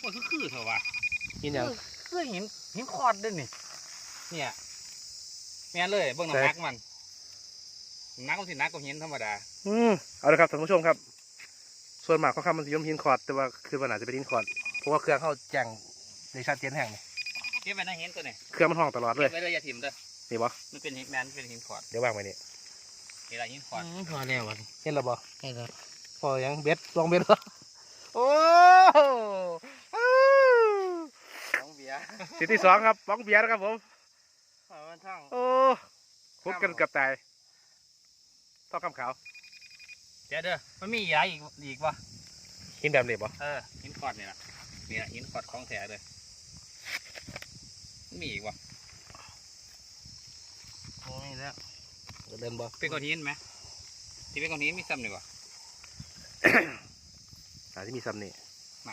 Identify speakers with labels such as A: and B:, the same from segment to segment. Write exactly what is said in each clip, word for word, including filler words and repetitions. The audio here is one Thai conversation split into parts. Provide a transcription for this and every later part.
A: ว่าคือคือเถอะวะ
B: หินอย่าง
A: คือหินหินคอดด้วยนี่เนี่ยแม่นเลยเบิ่งน้ำหนักมันน้ำหนักมันสิหนักกว่าหินธรรมดา
B: อืมเอาละครับท่านผู้ชมครับส่วนมากเขาคำมันจะย่อมหินคอร์ดแต่ว่าคือมันอาจจะเป็นหินคอร์ดเพราะว่าเครื่องเขาแจ้งในชัดเจนแห่งนี่
A: เก็บไว้ในหินตัวนี้
B: เครื่องมันห้องตลอดเล
A: เก็
B: ย
A: บไว้เลยอย่าถิ่มเด้อ
B: นี่บ่
A: มันเป็นหินแมนเป็นหินคอด
B: เดี๋ยววางไว้นี่
A: นี่ละหินคอด
C: พอแล้ววะ
B: เห็นแล้วบ่
C: ใช่แล้ว
B: พอยังเบ็ดลองเบ็ดเหรอโอ้
C: ของเบียร์
B: สิทธิ์ที่สองครับบ้องเบียร์นะครับผม
C: มันท่อง
B: โอ้คุบกันเกับตายต้องคำขาว
A: เดี๋ยวเด้อมันมียาอีกอีกวะ
B: หินแบบนี้บ่
A: เออหินคอดนี่ละนี่ละหินคอดของแท้เลยมีอีกวะ
C: โอ้ยแล้ว
B: เดินบ่
A: เป็นก้อนหินไหมที่เป็นก้อนหินมีซ้ำนี่วะ
B: อาจจะมีซ้ำนี่
A: หมา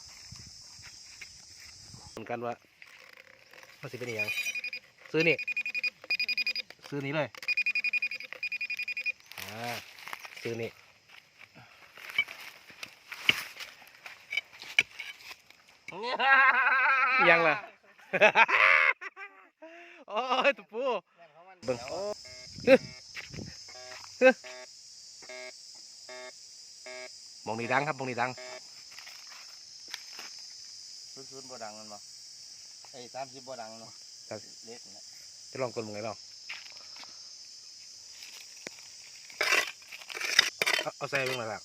B: เหมือนกันว่ามันสิเป็นอหย่างซื้อนี่ซื้อนี้เลยอ่าซื้อนี่ยังล่ะ โอ้ยตุ๊ปูเบิ่งมองนี่ดังครับมองนี่ดัง
C: ซุนๆบ่ดังมันบ่ไอ้สามสิบบ่ดังเนาะเล็กนะ
B: จะลองกดมึงไงลองเอาเอาใส่เบิ่งหน่อยละ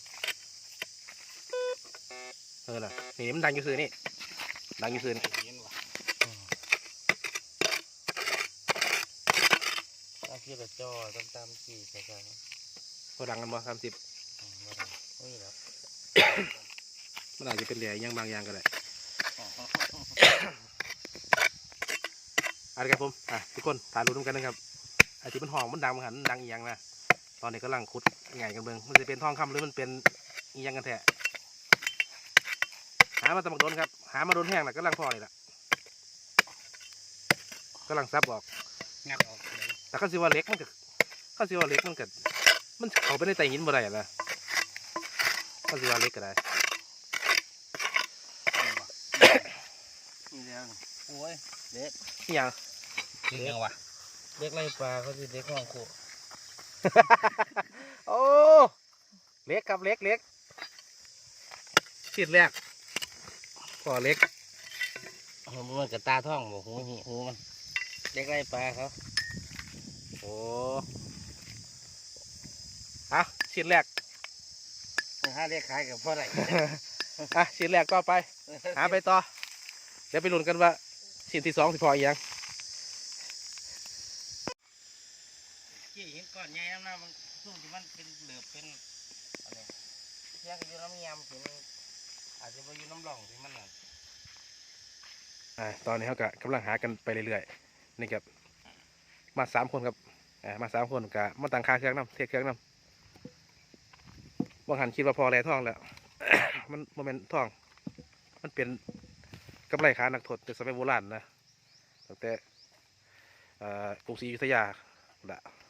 B: เออน่ะนี่มันดังอยู่ซื้อนี่ดังอยู่ซื้อนี่
A: หินวะ
C: ตามที่กระจอตามตามสี่ใช่ไหม
B: พอดังกันบ่สามสิบ
C: บ่ดังนี่แล้ว
B: มันอาจจะเป็นเหลี่ยยังบางอย่างก็ได้เอาละครับผมอ่ะทุกคนถ่ายรูปร่วมกันนะครับไอ้ที่มันห้องมันดังมันหันดังอีหยังนะตอนนี้กำลังขุดไงกันเบิ่งมันจะเป็นทองคำหรือมันเป็นอีหยังกันแท้หามาตะบักโดนครับหามาโดนแห้งแล้วกำลังพอนี่แหละกำลังซับออก
A: งัดออกเลย
B: แต่ข้าสิว่าเล็กมันก็ข้าสิว่าเล็กมันก็มันเขาไปในไตหินบ่ได้นะข้าสิว่าเล็กก็ได้
C: นี่แล้วโอ้ยเล็ก
B: นี่หยัง
A: เล็กยังวะ
C: เล็กไรปลาเขาสิเล็กห้องโค
B: โอ้เล็กครับเล็กเล็กชิ้นแรกพอเล็ก
C: มันกระตาท่องบ่หูหิหูมันเล็กไรปลาเขา
B: โอ้อะชิ้นแรก
C: ห้าเล็กขายกับพ่อไร
B: อ่ะชิ้นแรกก็ไปหาไปต่อเดี๋ยวไปลุ้นกันว่าชิ้นที่สองสิพออีกยัง
C: ขี้หินก้อนใหญ่น้ำหน้ามันซุ่มที่มันเป็นเหลือบเป็นอะไรเที่ยงอยู่น้ำยำที่มันอาจจะไปอยู่น้ำหล่องที่มันน่ะ
B: อ่าตอนนี้เขาก็กำลังหากันไปเรื่อยๆนี่ครับมาสามคนครับอ่ามาสามคนกับมาต่างคาเครื่องน้ำเทเครื่องน้ำบางหันคิดว่าพอแร่ท่องแล้ว มันโมเมนท่อง มันเป็นกำไรขานักโทษแต่สมัยโบราณนะตั้งแต่กรุงศรีอยุธยาละ